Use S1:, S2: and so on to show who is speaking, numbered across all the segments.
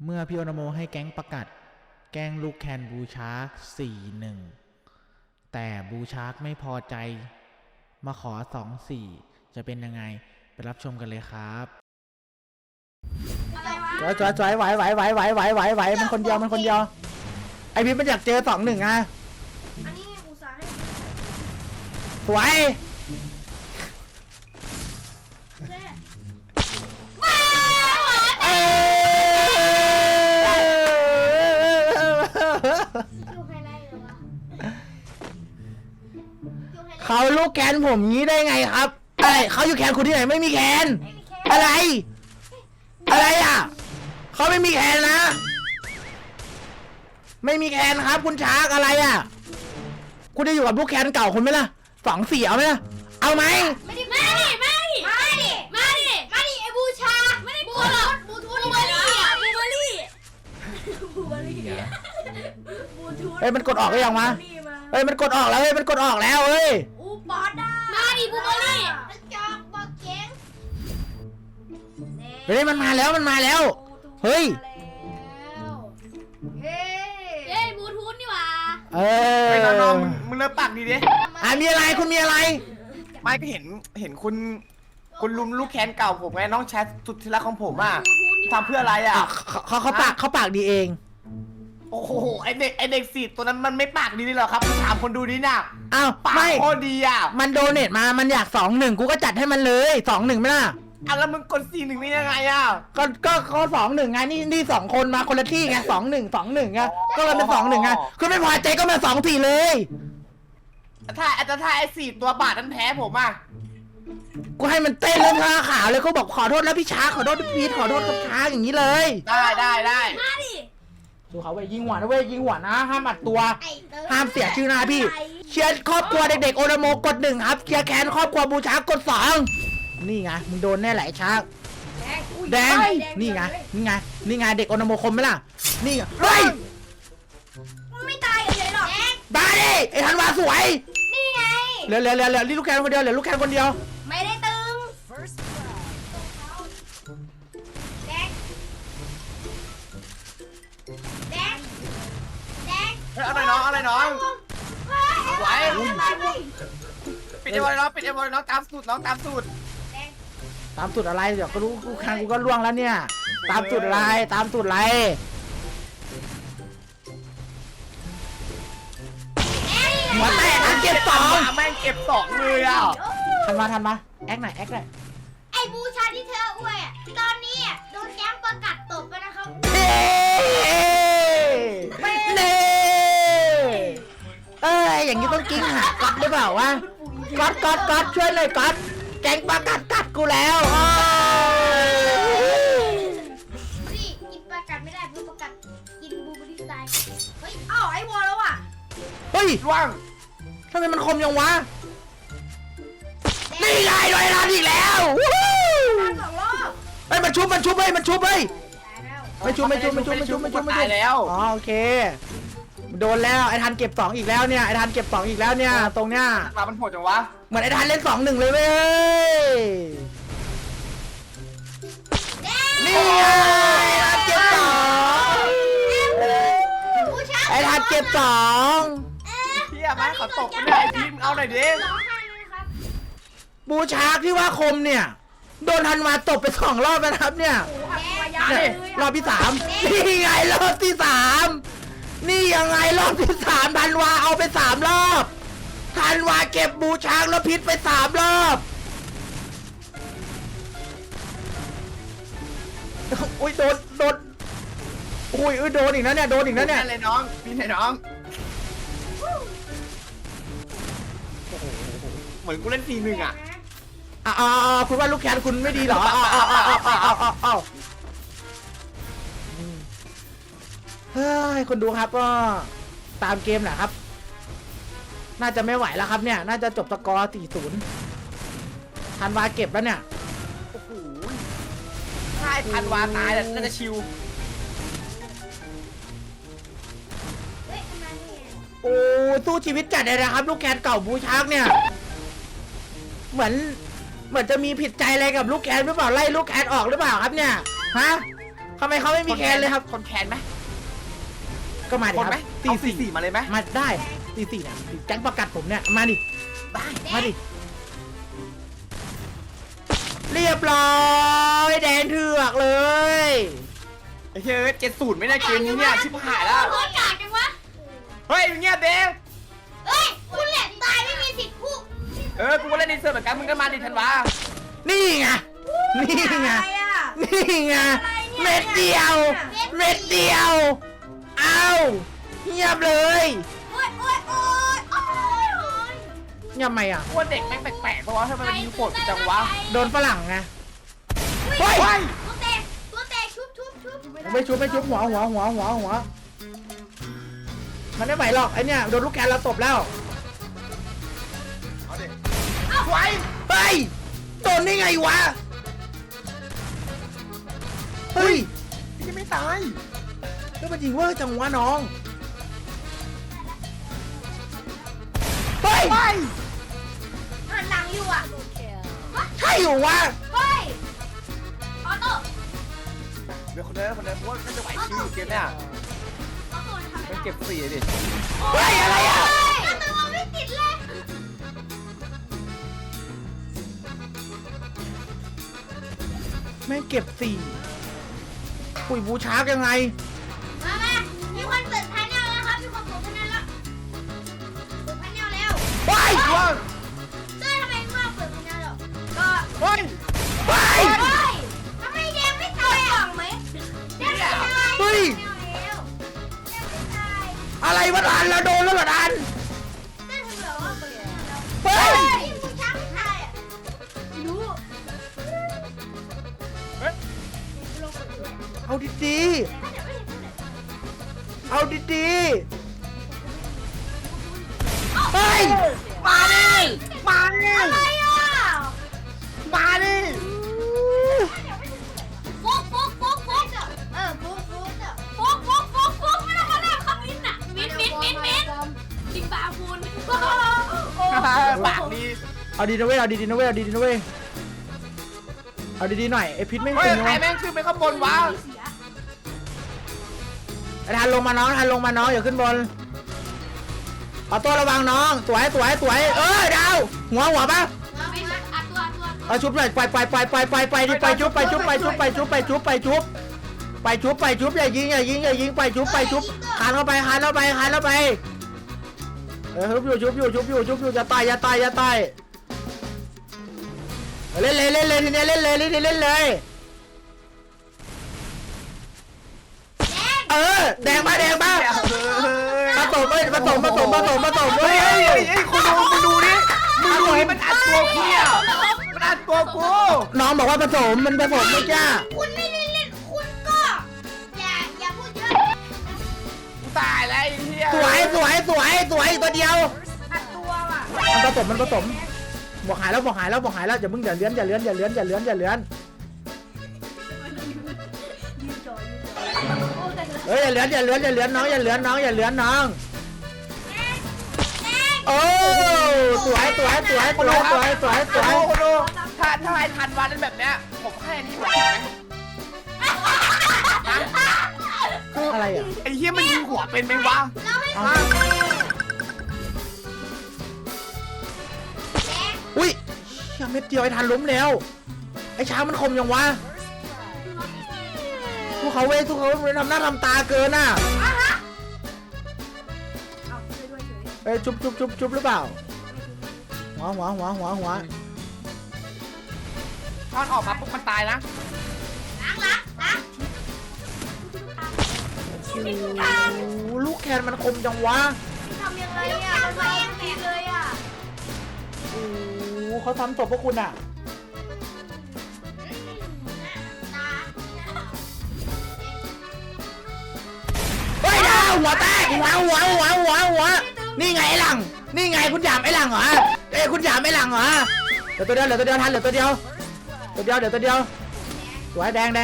S1: เมื่อพี่โอนาโมให้แก๊งประกาศแกล้งลูกแคนบูชาร์ก4-1แต่บูชาร์กไม่พอใจมาขอ2-4จะเป็นยังไงไปรับชมกันเลยครับจอยไหวมันคนเดียวไอพี่มันอยากเจอ2-1อ่ะ
S2: อันนี้อุตส่าห์ให้
S1: สวยเขาลูกแคนผมงี้ได้ไงครับอะไรเขาอยู่แคนคุณที่ไหนไม่มีแคนอะไรอ่ะเขาไม่มีแคนนะไม่มีแคนครับคุณชาร์กอะไรอ่ะคุณจะอยู่กับลูกแคนเก่าคุณไหมล่ะ2-4เอาไหมล่ะเอาไหม
S2: มาดิไอ้บูชาไม่ได้บูหรอกบูทูเบอรี่
S1: เฮ้ยมันกดออกหรือยังวะเฮ้ยมันกดออกแล้วเฮ้ยมันกดออกแล้วเฮ้ย
S2: อูบอสได้มาดิบูเบอรี่จอกบอกเก่ง
S1: เฮ้ยมันมาแล้วเฮ้ย
S2: บูทูนี่หว่า
S3: ไอ้น้องมึงเลิกปากดีดิ
S1: มีอะไรคุณมีอะไร
S3: ไม่ก็เห็นคุณลุมลูกแคนเก่าผมไงน้องแชทสุดที่รักของผมอ่ะทำเพื่ออะไรอ่ะ
S1: เขาปากดีเอง
S3: โอ้โหไอเด็ก4ตัวนั้นมันไม่ปากดีเลยหรอครับถามคนดูนี่น่ะ
S1: อ้าว
S3: ปากโคตรดีอ่ะ
S1: มันโดเนทมามันอยาก2-1กูก็จัดให้มันเลย2-1ไม่ล่ะ
S3: แล้วมึงกด4-1นี่ยังไงอ่ะ
S1: ก็เขา2-1ไงนี่2คนมาคนละที่ไง2-1ไงก็เลยเป็น2-1ไงคือไม่พอใจก็มา2-4เลย
S3: ถ้าไอ้4ตัวบาทนั้นแพ้ผมอ่ะ
S1: กูให้มันเต้นแล้วท่าขาวเลยเขาบอกขอโทษแล้วพี่ช้าขอโทษพี่พีทขอโทษกับช้าอย่างนี้เลย
S3: ได้
S2: มาดิ
S1: ดูเขายิงหัวนะเว้ยยิงหัวนะห้ามอัดตัวห้ามเสียชื่อนะพี่เชียร์ครอบครัวเด็กๆโอนาโมกด1ครับเชียร์แคนครอบครัวบูชากด2นี่ไงมึงโดนแน่ไหลช้าแดงนี่ไงเด็กโอนาโมคมไหมล่ะนี่เฮ้ย
S2: ไม่ตายเลยหรอก
S1: ตายดิไอ้ธันวาสวย
S2: นี่ไง
S1: เหลือลูกแคนคนเดียวเหลือลูกแคนคนเดียว
S2: ไม่ได้ตึงแดง
S3: เอาหน่อยน้องไหวปิดไอ้บอลน้องตามสูตร
S1: ตามสูตรอะไรเดี๋ยวก็รู้กูคันกูก็ล่วงแล้วเนี่ยตามสูตรอะไรหัวแตกเก็บ2
S3: แม่งเก็บ2เลยอ่ะ
S1: ทันมาแอคหน่อย
S2: ไอ้บูชาที่เธออวยตอนนี้โดนแก๊งประกาศตบไปนะครับ
S1: อย่างนี้ต้องกิ้งหาก๊อตหรือเปล่าวะก๊อตช่วยเลยก๊อตแก๊งประกาศกัดกูแล้ว
S2: นี่กินประกาศไม่ได้เพื่อประกาศกินบูเบอรี่ตายเฮ้ยไอ้วอลแล้วอ่ะ
S1: เฮ้ย
S3: ว่าง
S1: ทำไมมันคมยังวะนี่ไงโดยรันอีกแล้ว
S2: 2 รอบ
S1: เฮ้ยมันชุบไม่ชุบ
S3: แล้ว
S1: อ๋อโอเคโดนแล้วไอ้ทันเก็บ2อีกแล้วเนี่ยตรงเนี้ย
S3: มันโหดจังวะ
S1: เหมือนไอ้ทันเล่น2-1เลยเว้ยนี่ไงไอ้ทันเก็บ2
S3: เที่ยไหมขอตกไปเลยไอ้ทีมเอาหน่อยดิ
S1: บูชาร์กที่ว่าคมเนี่ยโดนทันมาตบไป2 รอบนะครับเนี่ยรอบที่3นี่ไงรอบที่3นี่ยังไงรอบที่3ธันวาเอาไป3 รอบธันวาเก็บบูชาร์กแล้วพิษไป3 รอบอุ้ยโดนอุ้ยโดนอีกนะเนี่ย
S3: เลยน้องพี่ไหนน้องเหมือนกูเล่น4-1อ่ะ
S1: คุณว่าลูกแคนคุณไม่ดีเหรอเฮ้ยคนดูครับก็ตามเกมแหละครับน่าจะไม่ไหวแล้วครับเนี่ยน่าจะจบสกอร์ 4-0ธันวาเก็บแล้วเนี่ย
S3: โอ้โหถ้าธันวาตายน่าจะชิว
S1: โอ้สู้ชีวิตจัดเลยนะครับลูกแคนเก่าบูชาร์กเนี่ยเหมือนจะมีผิดใจอะไรกับลูกแคนหรือเปล่าไล่ลูกแคนออกหรือเปล่าครับเนี่ยฮะทำไมเขาไม่มีแคนเลยครับ
S3: คนแคนไหม
S1: ก็มาดิ
S3: คน
S1: ค
S3: ไหม
S1: รับ
S3: ตีสี่มาเลยไหม
S1: มาได้ตีสี่เนี่ยแก๊งประกัดผมเนี่ยมาดิ
S3: ได้
S1: มาดิเรียบร้อยแดงเถือกเลย
S3: ไอ้เฮ้ย70ไม่ได้เกมนี้เนี่ยชิบหายแล้ว
S2: โคตรกากจังวะ
S3: เฮ้ยเงียบเด้
S2: เฮ้ยคุณแหละตายไม่มีสิทธิ์พูด
S3: กูก็เล่นในเซิร์ฟเหมือนกันมึงก็มาดิธันวา
S1: นี่ไงนี่ไงนี่ไงเม็ดเดียวเม็ดเดียวเอาเงียบเลย
S2: โอ๊ยโอ๊ยโอ๊ยโอ๊ยโอ๊ย
S1: เงียบไหมอ่ะ
S3: ว่าเด็กแม่งแปลกๆเพราะว่าทำไมมันยิงโหดจังวะ
S1: โดนฝรั่งไง
S2: เฮ้
S1: เฮ้
S2: ย
S1: ย
S2: ตัวแตกชุบ
S1: ไม่ชุบหัวมันไม่ไหวหรอกไอเนี่ยโดนลูกแกนเราตบแล้ว
S3: เอาดิไว้
S1: เฮ้ยโดนได้ไงวะเฮ้ย
S3: ยังไม่ตาย
S1: แล้วมันยิงเวอร์จังวะน้องเฮ้ย
S3: ไป
S2: หันหลังอยู่อ่ะ
S1: ใช่อยู่วะ
S2: เฮ้ยออโต้
S3: เดี๋ยวคนเดินเพราะว่าน่าจะไหวชิวเกมเนี่ย
S2: ออโต้ทำไม่
S3: มัน
S2: ได้
S3: เก็บ4ดิ
S1: เฮ้ยอะไรอ่ะ
S2: กระตัวไม่ติดเลย
S1: แม่งเก็บสี่ปุ๋ยบูชาร์กยังไง
S2: มามีคนเปิดพาเนลแล้วครับมีคนเปิดพาเนลแล้วเปิดพาเนลแล้ว
S1: เฮ้ย
S3: ว้าว
S2: เจ้ยทำไมเมื่อเปิดพาเนลแล้วก็
S3: เฮ้ย
S1: เฮ้ย
S2: เฮ้ยทำไมแดงไม่ตายอ่ะไหมแดงไม่ตาย
S1: เฮ้ย
S2: แดงไม่ตาย
S1: อะไรวะดันเราโดนแล้วเหรอดัน
S2: เจ้ยทำแบบว่าเปิดพาเนลแล้ว
S1: เฮ้ย
S2: ผู้ช้างไม่ตายอ่ะไม่รู้
S3: เฮ้ย
S2: ลงเปิดด้วย
S1: เอาดี
S2: ถ้าเดี๋ยวไม่เห็นเท่าไหร่
S1: ๆเอาดีๆเฮ้ย
S3: มาดิมาดิ
S2: อะไรอ่ะ
S3: มาดิ
S2: ฟุกฟุกฟุกฟุกเออฟุกฟุกฟุกฟุกฟุกฟุกไม่ต้องมาเล่นคำมิ้นท์อ่ะมิ้นท์จริงป่าคุณ
S3: ปากดี
S1: เอาดีนะเว้ยเอาดีๆนะเว้ยเอาดีๆนะเว้ยเอาดีๆหน่อยไอพิษไม่
S3: เฮ้ย
S1: จริง
S3: ใคร
S1: นะ
S3: แม่งขึ้นไปข้างบนวะ
S1: ไอ้ทันลงมาน้องอย่าขึ้นบนเอาตัวระวังน้องสวยดาวหัวปะเอาชุบเลยไปดิไปชุบอย่ายิงไปชุบคานเข้าไปชุบอยู่จะตายเล่นเลยทีนี้เล่นเลยแดงมาผสมเว้ย
S3: เฮ้ยคุณดูดิมึงดูนี่มันอัดตัวกูเนี่ยมันอัดตัวกู
S1: น้องบอกว่าผสมมันผสมไม่จ้า
S2: คุณไม่ได้เล่นคุณก็อย่าพูดเยอะ
S3: กูตายแล้วไอ้เหี้ย
S1: สวยตัวเดียว
S2: อัดตัวว่ะ
S1: มันผสมบอกหายแล้วอย่ามึงอย่าเลื้อนเฮ้ยอย่าเลื้อนน้องโอ้สวย
S3: คนดูถ้าไอ้ทันวันนั้นแบบเนี้ยผมให้อันนี้ผมไหม
S1: อะไรอ่ะ
S3: ไอ้เหี้ยมันยิงหัวเป็นไหมวะ
S1: อุ้ยยังเม็ดเดียวไอ้ทันล้มแล้วไอ้ช้างมันคมยังวะทุกเขาทำหน้าทำตาเกินน่ะเอ้ยจุบหรือเปล่าหัว
S3: ตอนออกมาปุ๊บมันตายนะ
S2: ล้าง
S1: โอ้ลูกแคนมันคมจังวะ
S2: ทำยังไงอ่ะมันเองแตกเลยอ่ะ
S1: โอ้เขาทำศพพวกคุณอ่ะเฮ้ยดาวหัวแตกหัวนี่ไงไอ้หลังนี่ไงคุณหยามไอ้หลังเหรอคุณหยามไอ้หลังเหรอเหลือตัวเดียวทันเหลือตัวเดียวสวยแดง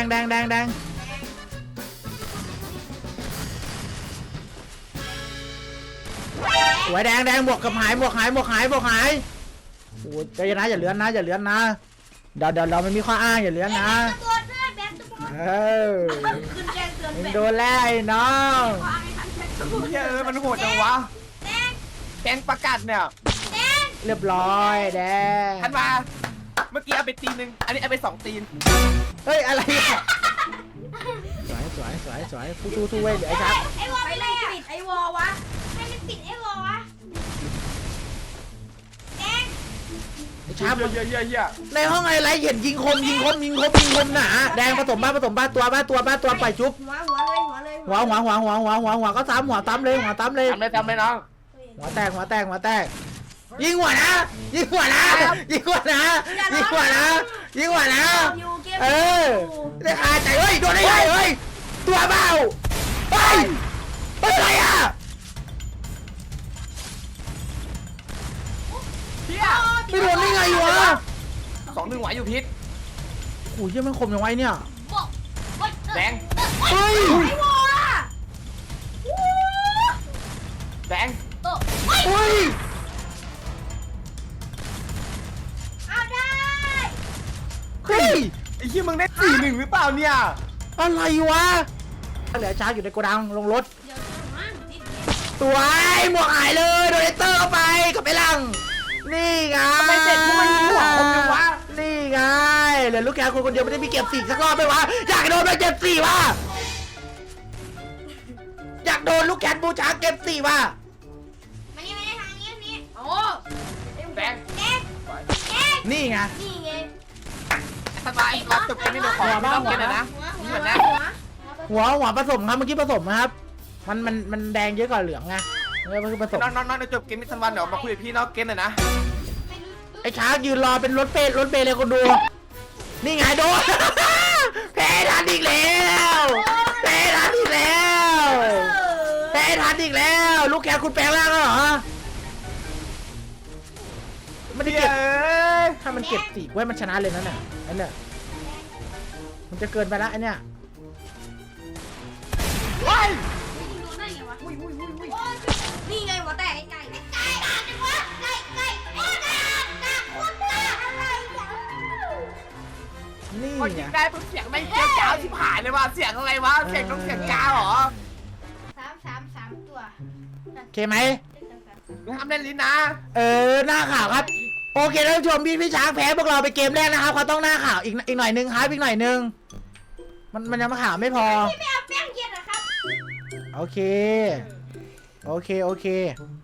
S1: สวยแดงบวกกับหายโอ้ใจเย็นนะอย่าเลื้อนนะเดี๋ยวเราไม่มีข้ออ้างอย่าเลื้อนนะ
S2: ตัวด้วยแบงค์ตัว
S1: อ
S2: ขึ้นแจ้งเตือน
S1: มึง
S2: เป็ด
S1: โดนแล้วไอ้น้อง
S2: ว่าไม่ทันแท็กกู
S3: เฮ้ยมันโหดจังวะ
S2: แดง
S3: แกงประกาศเนี่ย
S2: แดง
S1: เรียบร้อยแดง
S3: ทันมาเมื่อกี้เอาไปตีนึงอันนี้เอาไป2 ตีน
S1: เฮ้ยอะไรอ่ะสวยสู้เว้ยเดี๋ยวไอ้ชัก
S2: ไอ้วอไม่ได้ปิดไอ้วอวะให้มันปิดไอ้วอวะแดง
S1: ไอ้ชัก
S3: เฮีย
S1: ในห้องอะไรเห็นยิงคมหนาแดงผสมบ้าตัวปล่อยจุ๊บ
S2: หัวเลย
S1: หัวก็ซ้ำหัวตั้มเลย
S3: ทำเลยน้อง
S1: หัวแตกยิงหัวนะ
S2: อยู่เกม
S1: เออได้คาใจเฮ้ยโดนได้ไงเฮ้ยตัวเบาเฮ้ยอะไรอ่ะ
S3: เฮีย
S1: ไม่โดนได้ไงวะ
S3: 2-1ไหวอยู่พิษ
S1: โอ้ยยังมันคมยังไงเนี่ย
S2: บอก
S3: แดง
S1: เฮ้ย
S2: ไอ้วอล่ะ
S3: แดง
S1: เฮ้ย
S2: เอาได้
S1: เฮ้ย
S3: ไอ้เฮียมึงได้4-1หรือเปล่าเนี่ย
S1: อะไรวะเหลือช้าอยู่ในโกดังลงรถ
S2: เดี๋ยวมาติด
S1: ตัวไอ้หมวกหายเลยโดนเตอร์เข้าไปกับไอ้ลังนี่ไง
S3: ไม่เสร็จกูไม่มีหัวคมจังวะ
S1: นี่ไงเหลือลูกแกคนเดียวไม่ได้มีเก็บ4สักรอบไหมวะอยากโดนไปเก็บ4ว่ะอยากโดนลูกแกบูชาเก็บ4ว่ะ
S2: มานี่ทางนี้โอ้
S3: แดง
S2: แดง
S1: นี่ไง
S2: นี่ไง
S3: สบายรับจบกันนี่เราขอไม่ต้องกินเลยนะนี่เหมือนนะ
S1: หัวผสมครับเมื่อกี้ผสมนะครับ มันแดงเยอะกว่าเหลืองไงมันคือผสม
S3: น้องจบเกมมิสซันวันเดี๋ยวมาคุยกับพี่น้องเกมหน่อยนะ
S1: ไอ้ช้างยืนรอเป็นรถเปเลยคนดู นี่ไงโดน แพ้ทันอีกแล้วแพ้ทันอีกแล้ว ลูกแกคุณแปลงร่างแล้วเหรอไม่ได้เก็บถ้ามันเก็บสี่ไว้มันชนะเลยนั่นน่ะอันเนี้ยมันจะเกินไปละอันเนี้ย
S3: ว้าย
S2: นี่ไงหัวแตกไก่จังวะไก่ไก่คนตาอะไรอย่าง
S1: นี่
S3: พอ
S1: ไง
S3: ยิงได้ปุ๊บเสียงไม่เกี้ยวจ้าวชิบหายเลยว่ะเสียงอะไรวะเสียงต้องเสียงจ้าวเหรอ
S2: 3 ตัว
S1: โอเคไหม
S3: มึงทำเล่นลิ้นนะ
S1: หน้าข่าวครับโอเคท่านผู้ชมพี่ช้างแพ้พวกเราไปเกมแรกนะครับเขาต้องหน้าข่าวอีกหน่อยนึงครับอีกหน่อยนึงมันยังมาข่าวไม่พอ
S2: พี่ไม่เอาแป้งเย็นนะครับ
S1: โอเค